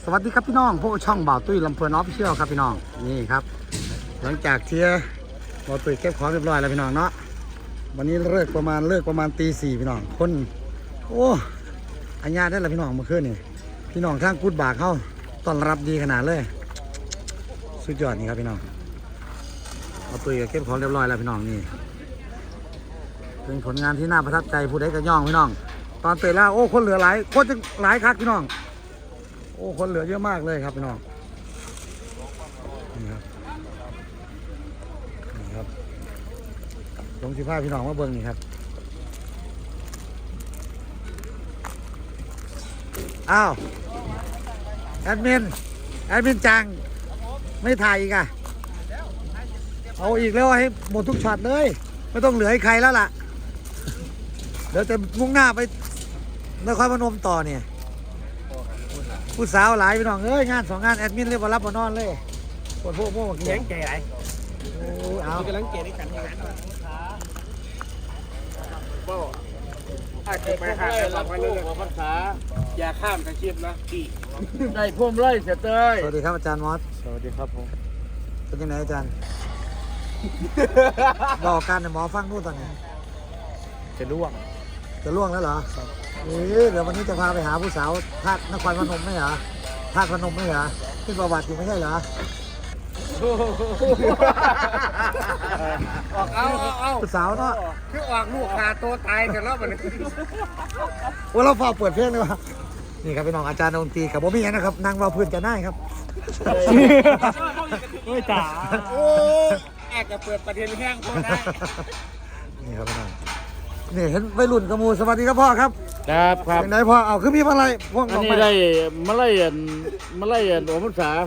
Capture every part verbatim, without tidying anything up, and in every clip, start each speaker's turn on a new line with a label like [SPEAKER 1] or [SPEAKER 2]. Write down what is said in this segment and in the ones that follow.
[SPEAKER 1] สวัสดีครับพี่น้องพวกช่องบ่าวตุ้ยลำเพลินออฟฟิเชียลครับพี่น้องนี่ครับหลังจากเที่ยบ่าวตุ้ยเก็บของเรียบร้อยแล้วพี่น้องเนาะวันนี้เลิกประมาณเลิกประมาณตีสี่พี่น้องคนโอ้อัญญาได้แล้วพี่น้องเมื่อคืนนี่พี่น้องทางกูดบากเขาต้อนรับดีขนาดเลยสุดยอดนี่ครับพี่น้องบ่าวตุ้ยเก็บของเรียบร้อยแล้วพี่น้องนี่เป็นผลงานที่น่าประทับใจผู้ใดก็ย่องพี่น้องตอนเตะแล้วโอ้คนเหลือหลายคนจะหลายคักพี่น้องโอ้คนเหลือเยอะมากเลยครับพี่น้องนี่ครับนี่ครับลงสิผ้าพี่น้องมาเบิ้งนี่ครับอ้าวแอดมินแอดมินจังไม่ถ่ายอีกอ่ะเอาอีกแล้วให้หมดทุกช็อตเลยไม่ต้องเหลือให้ใครแล้วล่ะเดี๋ยวจะมุ่งหน้าไปนครพนมต่อเนี่ยผู้สาวหลายพี่น้องเอ้ยงานสองงานแอดมินเรียกว่ารับบนนอนเลยปวดพวกพวกเลี้ยงแก่ไรโอ้เอากำลังเก่งในการทำงานก็อาจจะไปหาหลักไว้เลยภาษาอย่าข้ามอาชีพนะกี่ได้พุ่มไล่เสร็จเลยสวัสดีครับอาจารย์มอสสวัสดีครับผมเป็นยังไงอาจารย์บอกการในหมอฟังนู่นตอนนี้จะล่วงจะล่วงแล้วเหรอเฮ้ยเดี๋ยววันนี้จะพาไปหาผู้สาวภาคนครพนมไม่เหรอภาคพนมไม่เหรอขึ้นประวัติอยู่ไม่ใช่เหรอออกเอาเอาผู้สาวเนาะคือออกลูกขาตัวตายกันแล้วมันว่าเราฝากเปิดเพลงเลยวะนี่ครับพี่น้องอาจารย์ดนตรีกับโบมี่นะครับนั่งว่าพื้นจะได้ครับโอ้ยจ๋าโอ้แอกจะเปิดประเด็นแห้งพอได้นี่ครับพี่น้องนี่เห็นวัยรุ่นกระมูสวัสดีครับพ่อครับ
[SPEAKER 2] ครับครับ
[SPEAKER 1] ไหนพ่อเอาคือมีอะไรพวก
[SPEAKER 2] อันนี้ได้มาไล่ยันมาไล่ยันโอมุสา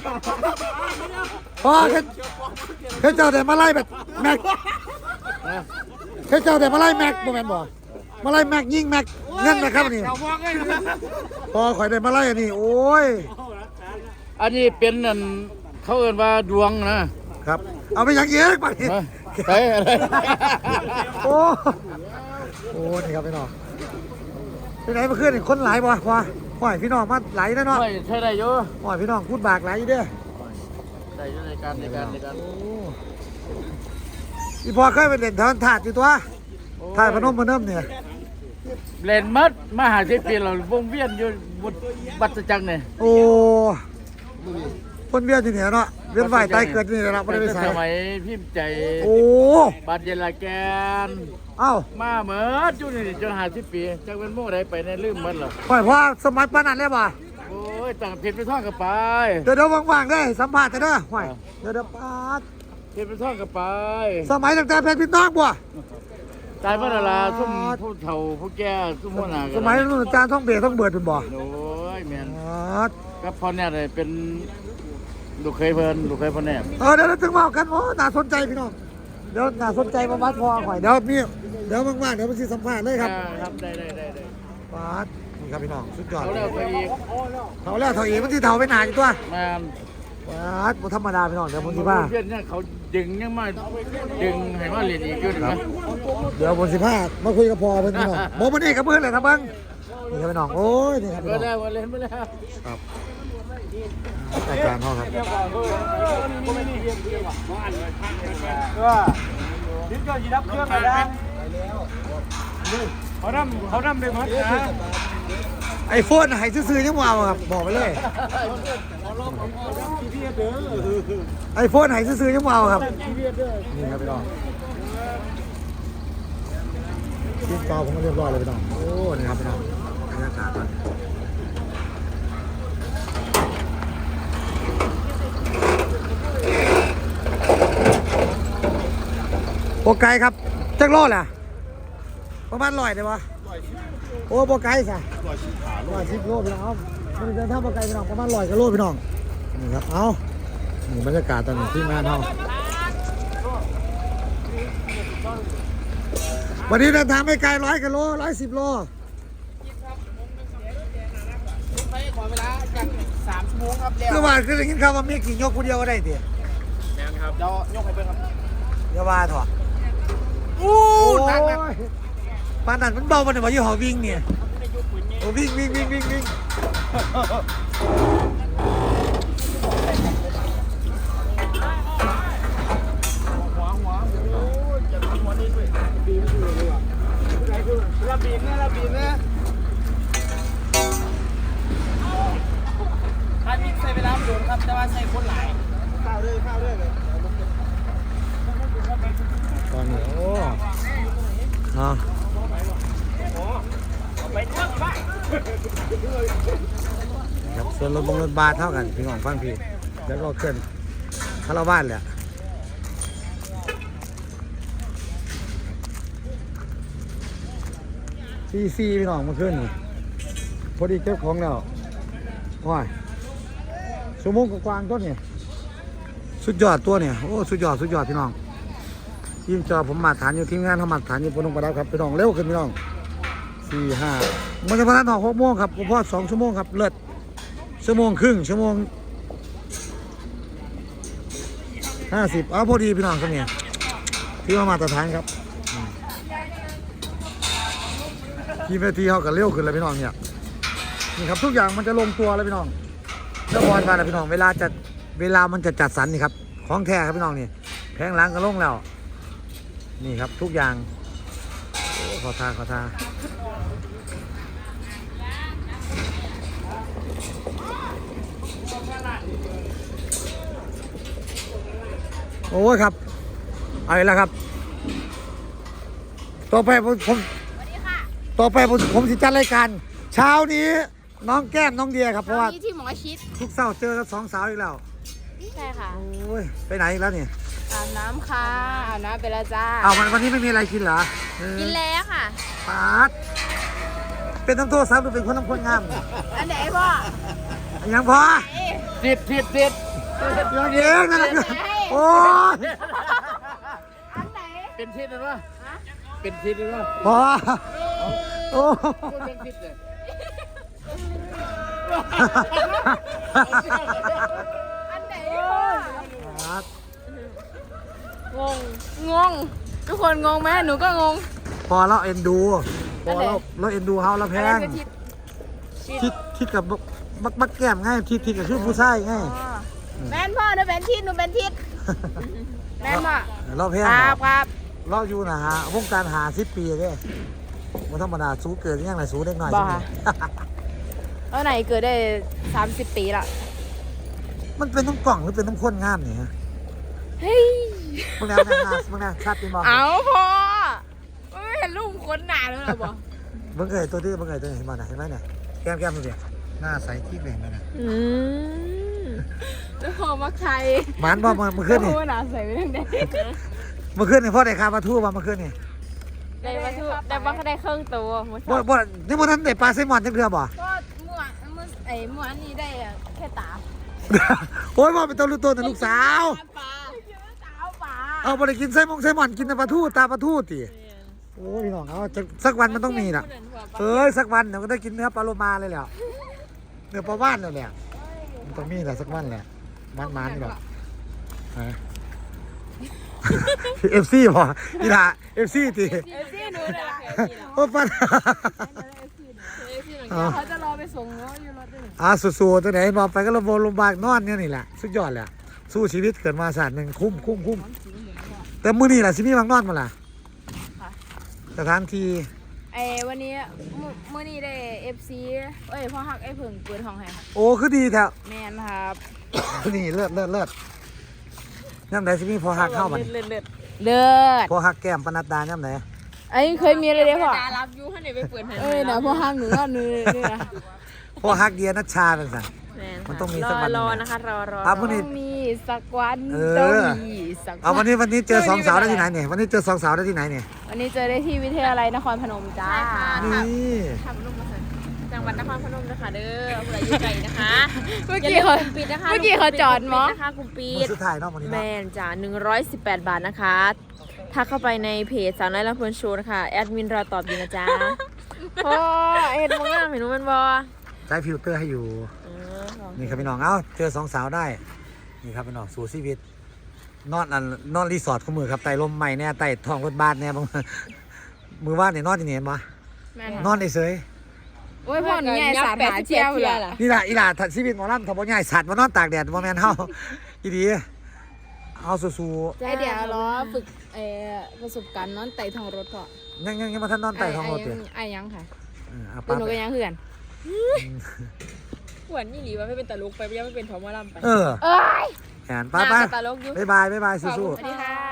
[SPEAKER 1] พ่อแค่แค่เจ้าแต่มาไล่แบบแม็กแค่เจ้าแต่มาไล่แม็กโมเมนต์บ่มาไล่แม็กยิงแม็กเงินนะครับนี่พ่อข่อยได้มาไล่อันนี้โอ้ย
[SPEAKER 2] อันนี้เป็นอันเขาเอ่นว่าดวงนะครับ
[SPEAKER 1] เอาไปยังเยอะไป
[SPEAKER 2] ไปอะไร
[SPEAKER 1] โอ้โหนี่ครับพี่น้องที่ไหนมาขึ้นคนหลายบ่พ่อพ่อพี่น้องมาไหลนะเนาะ
[SPEAKER 2] ใช่ได้เยอะ
[SPEAKER 1] พ่อพี่น้องพูดบากไหลเด้อ
[SPEAKER 2] ได้ในการในการในการ
[SPEAKER 1] พี่พ่อเคยไปเล่นทอนถาดอยู่ตัวถาดพนมพนมเนี่ย
[SPEAKER 2] เล่นมัดมหาเศรษฐีเราวงเวียนอยู่บุตรบัตรจังเนี่ย
[SPEAKER 1] โอ้คนเวียนอยู่เนี่ยเนาะเวียนไหวตายเกิดนี่เราไม่ได้ไปใส่
[SPEAKER 2] สมัยพิมพ์ใจ
[SPEAKER 1] โอ้
[SPEAKER 2] บัตรเยลาแกน
[SPEAKER 1] เอ้า
[SPEAKER 2] มาเหมือนจุนี่จนหาสิบปีจากเป็นโม่ได้ไปในลืมมันหรอ
[SPEAKER 1] พ่อพ่อสมัยปานนั้นเลยป่ะ
[SPEAKER 2] โอ้ยต่างเพชรไปท่องกับไป
[SPEAKER 1] เดี๋ยวเดี๋ยวว่างๆได้สัมภาษณ์จะได้ห่วยเดี๋ยวเดี๋ยวปาด
[SPEAKER 2] เพชรไปท่องกับไป
[SPEAKER 1] สมัยตั้งแต่เพชรพิน้องบ่
[SPEAKER 2] ตายเมื่อไรซุ่มผู้เฒ่าผู้แก่ซุ่มหัวหน้า
[SPEAKER 1] สมัยนู้นอาจารย์ท่องเบียร์ท่องเบิดเป็นบ่
[SPEAKER 2] โอ้ยแมนก็พอเนี่ยเลยเป็นลูกเคยเพลินลูกเคยพ่อแน่
[SPEAKER 1] เออเดี๋ยวถึงว่ากันโอ้น่าสนใจพี่น้องเดี๋ยวน่าสนใจมาวัดพอหน่อยเดี๋ยวมีเดี๋ยวว่างๆเดี๋ยวมาสิสัมภาษณ์เลยครับ
[SPEAKER 2] ครับได้ได้ได้ได้
[SPEAKER 1] ปาดนี่ครับพี่น้องสุดยอด
[SPEAKER 2] เขาแล้วเขาอีก
[SPEAKER 1] เขาแล้วเขาอีกมันที่เฒ่าไปหนาอยู่ตัว
[SPEAKER 2] แมน
[SPEAKER 1] ปาดบ่ธรรมดาพี่น้องเดี๋ยวผมสิพา
[SPEAKER 2] เพื่อนเนี่ยเขาดึงยังมาดึงให้มาเรียนอีกอยู่นะ
[SPEAKER 1] เดี๋ยวผมสิพามาคุยกับพ่อเพิ่นพี่น้องบ่มันนี่กับเพิ่นเลยครับเบิ่งนี่ครับพี่น้องโอ้ยนี่ครับพี่น้อง
[SPEAKER 2] ก็ได้วันเล่นไปแล้ว
[SPEAKER 1] ครับอาจารย์พ่อครับ
[SPEAKER 2] ก็ดิ้นก็ยีรับเครื่องอะไรเขาทำเขาทำได้หมดนะ
[SPEAKER 1] ไอโฟนให้ซื้อๆยังว้าวครับบอกไปเลยไอโฟนให้ซื้อๆยังว้าวครับนี่ครับพี่น้องกินต่อผมก็เรียบร้อยเลยพี่น้องโอ้นี่ครับพี่น้องบรรยากาศโปรไกครับจักรโลดแหละประมาณร้อยได้ปะโอ้โปรไกสิร้อยสิบโลพี่น้องมันจะถ้าโปรไกพี่น้องประมาณร้อยกิโลพี่น้องนี่ครับเอานี่บรรยากาศตอนนี้ที่งานเขาวันนี้เดินทางไม่ไกลร้อยกิโลร้อยสิบโล
[SPEAKER 3] ไปขอเวลาจากสามชั่วโมงครับ
[SPEAKER 1] เมื่อวานคือได้ยินข่าวว่ามีกี่ยกคนเดียวก็ได้เดียว
[SPEAKER 3] แม่นครับเดี๋ยวยกให้เบิ่งครับ
[SPEAKER 1] อย่าว่าเถอะโอ้ยปานนั้นมันเบาปานนั้นว่าอยู่หอวิ่งเนี่ยโอ้วิ่งวิ่งวิ่งวิ่งวิ่ง
[SPEAKER 3] ครับแต่ว่าใส่คนหลาย
[SPEAKER 1] ตอนนี้โอ้เนาะ
[SPEAKER 3] ไปเถอะบ้า
[SPEAKER 1] ครับส่วนรถบงรถบาสเท่ากันพี่น้องฟังพี่แล้วก็เคลื่อนคาราวานแหละซีซีพี่น้องมาขึ้นนี่พอดีเก็บของแล้วว้ายชั่วโมงกว่าๆต้นเนี่ยสุดยอดตัวเนี่ยโอ้สุดยอดสุดยอดพี่น้องทีมจอผมมาฐานอยู่ทีมงานเขามาฐานอยู่พนมประดับครับพี่น้องเร็วขึ้นพี่น้องสี่ห้ามันจะมาทานออกหกโมงครับผมพอดสองชั่วโมงครับเลิศชั่วโมงครึ่งชั่วโมงห้าสิบอ้าวพอดีพี่น้องครับเนี่ยที่ว่ามาตรฐานครับทีมเวทีเขาก็เร็วขึ้นเลยพี่น้องเนี่ยนี่ครับทุกอย่างมันจะลงตัวแล้วพี่น้องแล้วบอลมาแล้วพี่น้องเวลาจะเวลามันจะจัดสรรนี่ครับของแท้ครับพี่น้องนี่แพงหล้างก็ลงแล้วนี่ครับทุกอย่างโอ้ขอทาขอทาโอ้ยครับเอาอีกแล้วครับต่อไปผมผมต่อไปผมผมจะจัดรายการเช้านี้น้องแก้มน้องเดียครับเพราะว่า
[SPEAKER 4] ที่หมอชิด
[SPEAKER 1] ทุกเช้าเจอกับสองสาวอีกแล้ว
[SPEAKER 4] ใช่ค่ะ
[SPEAKER 1] โอ้ยไปไหนอีกแล้วนี่
[SPEAKER 4] อาบน้ำค่ะอาบน้ำไปแล้วจ้า
[SPEAKER 1] เอาวันวันนี้ไม่มีอะไรกินเหรอเออ
[SPEAKER 4] กินแล้วค่ะ
[SPEAKER 1] ปาดเป็นน้ำโทษซ้ำหรือเป็นคนน้ำคนงาม
[SPEAKER 4] อันไหนพ่อ
[SPEAKER 1] ยังพอ
[SPEAKER 2] ติดติดติด
[SPEAKER 1] ยังเองนั่นแหละโอ้ย
[SPEAKER 4] อันไหน
[SPEAKER 2] เป็นทิศนะวะเป็นทิศนะวะ
[SPEAKER 1] พอโอ้
[SPEAKER 2] เป็นทิศเลย
[SPEAKER 4] อันไหน
[SPEAKER 1] ปาด
[SPEAKER 4] งง งง ทุกคนงงไหมหนูก็งง
[SPEAKER 1] พอเราเอ็นดูพอเราเราเอ็นดูเฮาเราแพ
[SPEAKER 4] อะไร
[SPEAKER 1] ง
[SPEAKER 4] คือทิศ
[SPEAKER 1] ทิศทิศกับบักบักแก้มง่ายทิศทิศกับชื่อผู้ชายง่าย
[SPEAKER 4] อ๋อแม่นพ่อหนูเป็นทิศหนูเป็นทิศแม่นพ่อ
[SPEAKER 1] เราแพง
[SPEAKER 4] ครับครับ
[SPEAKER 1] เราอยู่นะฮะวงการหาสิบปีเลยมันธรรมดาสู้เกิดยังไงสู้เด็กหน่อย
[SPEAKER 4] บอกค่ะแล้วไหนเกิดได้สามสิบปีละ
[SPEAKER 1] มันเป็นน้ำกล่องหรือเป็นน้ำข้นงามเนี่ยฮะ
[SPEAKER 4] เฮ้ย
[SPEAKER 1] บางแนวแนวหน้าบางแนวชาติเป็นบอล
[SPEAKER 4] เอาพ่อไม่เห็นลูกคนหนาเลยเหรอบอก
[SPEAKER 1] บางเอ๋ยตัวที่บางเอ๋ยตัวไหนเห็นบ้างเห็นไหมเนี่ยแก้มแก้มดูดิหน้าใสที่เลยเห็นไหมเนี่ย
[SPEAKER 4] อืมแล้วพอมักไทย
[SPEAKER 1] หมันบ่มาเมื่อคืนนี่
[SPEAKER 4] โอ้หนาใส่ไปทั้งเด็ก
[SPEAKER 1] เมื่อคืนนี่พ่อได้คาปลาทูมาเมื่อคืนนี่
[SPEAKER 4] ได้มาทุได้มาได้เครื่องตัวหมด
[SPEAKER 1] บ่บ่นี่มันนั้นได้ปลาไซมอนจังเรือบ่
[SPEAKER 4] ก็มั่วมั่วไอ้มั่วอันนี้ได้แค่ตา
[SPEAKER 1] โอ้ยบ่เป็นตัวลูกตัวแต่ลูกสาว
[SPEAKER 4] ปลาสาวปลา
[SPEAKER 1] เอาบ่ได้กินไซมอนไซมอนกินแต่ปลาทูตาปลาทูติโอ้ยพี่น้องเอาจะสักวันมันต้องมีน่ะเอ้ยสักวันเดี๋ยวก็ได้กินเนื้อปลาโลมาเลยแหละเนื้อปลาว่านแล้วแหละมันต้องมีแหละสักวันแหละมันมันนี่หรอกฮะเอฟซีพอนี่ล่ะเอฟซีติ
[SPEAKER 4] เอฟซีหนูเลยล่ะ
[SPEAKER 1] โอ้ปัน
[SPEAKER 4] เขาจะรอไปส่งเนาะอยู่รถด้วย
[SPEAKER 1] อ่าสู้ๆตัวไหนนอนไปก็ระบบลมบากนอนเนี่ยนี่แหละสุดยอดแหละสู้ชีวิตเกิดมาศาสตร์หนึ่งคุ้มคุ้มคุ้มแต่มื้อนี้ล่ะสิมีบางนอนมาล่ะสถานที่
[SPEAKER 4] ไอ้วันนี้เมื่อนี้ได้เอฟซีเอ้ยพ่อฮักไอ้เพิ่งเปิดห้องให้
[SPEAKER 1] โอ้คือดีแท้
[SPEAKER 4] แมนครับ
[SPEAKER 1] นี่เลิศเลิศเลิศย่ำไหนสิมีพอหักเข้ามัน
[SPEAKER 4] เลิศเลิศเลิศ
[SPEAKER 1] พอหักแก้มปนัดดาย่ำไหน
[SPEAKER 4] ไอ้เคยมีอะไรเด้พ่อ
[SPEAKER 3] ตารับอยู่ให้ไหนไปเปิดให้
[SPEAKER 4] เอ้ยนะพ่อฮักหนูก็นึกนี่นะ
[SPEAKER 1] พอหักเดียนัชชาเป็นสัน มันต้องมีสักวัน
[SPEAKER 4] รอ
[SPEAKER 1] หนึ่ง
[SPEAKER 4] นะคะรอรอ
[SPEAKER 1] อ่ะวันนี้
[SPEAKER 4] ต้องมีสักวัน
[SPEAKER 1] เอ
[SPEAKER 4] ต้อง
[SPEAKER 1] อ
[SPEAKER 4] มีสัก
[SPEAKER 1] เอาวัน
[SPEAKER 4] น
[SPEAKER 1] นี้วันนี้เจอสองสาวได้ที่ไหนเนี่ยวันนี้เจอสองสาวได้ที่ไหนเนี่ย
[SPEAKER 4] วันนี้เจอได้ที่วิทยาลัยนครพนมจ้า
[SPEAKER 1] นี่
[SPEAKER 3] ทำลูกมาเสร็จจังหวัดนครพนมนะคะเด้อผู้ใดอยู่ไกลนะคะ
[SPEAKER 4] เมื่อกี้เขา
[SPEAKER 3] ปิดนะคะ
[SPEAKER 4] เมื่อกี้เขาจอดมั้ง
[SPEAKER 3] นะคะกลุ่มปิ
[SPEAKER 1] มือ
[SPEAKER 3] ด
[SPEAKER 1] สุดท้ายเนาะวันนี้
[SPEAKER 3] แม
[SPEAKER 1] เนาะ
[SPEAKER 3] นจ้าหนึ่งร้อยสิบแปดบาทนะคะทักเข้าไปในเพจสาวน้อยลำเพลินโชว์นะคะแอดมินรอตอบอยู่นะจ๊ะพ่อเอ็ดมองหน้าเห็นมันบอ
[SPEAKER 1] ใช้ฟิลเตอร์ให้อยู่ นี่ครับพี่น้องเอ้าเจอสองสาวได้นี่ครับพี่น้องสู่ชีวิตนอนอันนอนรีสอร์ทของมือครับไต่ลมใหม่เนี่ยไต่ท้องรถบ้านเนี่ยบางมือว่านเนี่ยนอนที่ไหนมา
[SPEAKER 4] แม่น
[SPEAKER 1] นอนเฉย
[SPEAKER 4] โอ้ยพ่อหนูใหญ่สาดหาเที่ยวเลย
[SPEAKER 1] ๆนี่ล่ะอีหล่าถัดชีวิตหมอลำทำบ่ใหญ่สัตว์มานอนตากแดดบ่แม่นเฮาอีดีเอาสู้
[SPEAKER 4] ไอเดี๋ยวรอฝึกเอ่อประสบการณ์นอนไต่ท้องรถก่อน
[SPEAKER 1] ๆยังยังยังมาทันนอนไต่ท้องรถ
[SPEAKER 4] ไอ้
[SPEAKER 1] เด้
[SPEAKER 4] ยังไอ้ยังค่ะ
[SPEAKER 1] เออเอา
[SPEAKER 4] ตัว
[SPEAKER 1] ปา
[SPEAKER 4] หนู
[SPEAKER 1] ไป
[SPEAKER 4] ก็ยังเหือน
[SPEAKER 3] หวนนี่หลีว่าไม่เป็นตลกไปยังไม่เป็นทอมอลำไป
[SPEAKER 1] เออ
[SPEAKER 4] เอ้ย
[SPEAKER 1] แขนไปไป
[SPEAKER 3] ตลกอยู่
[SPEAKER 1] บ๊ายบายบ๊ายบาย
[SPEAKER 3] ขอบ
[SPEAKER 1] สู้
[SPEAKER 3] คุณสวัสดีค่ะ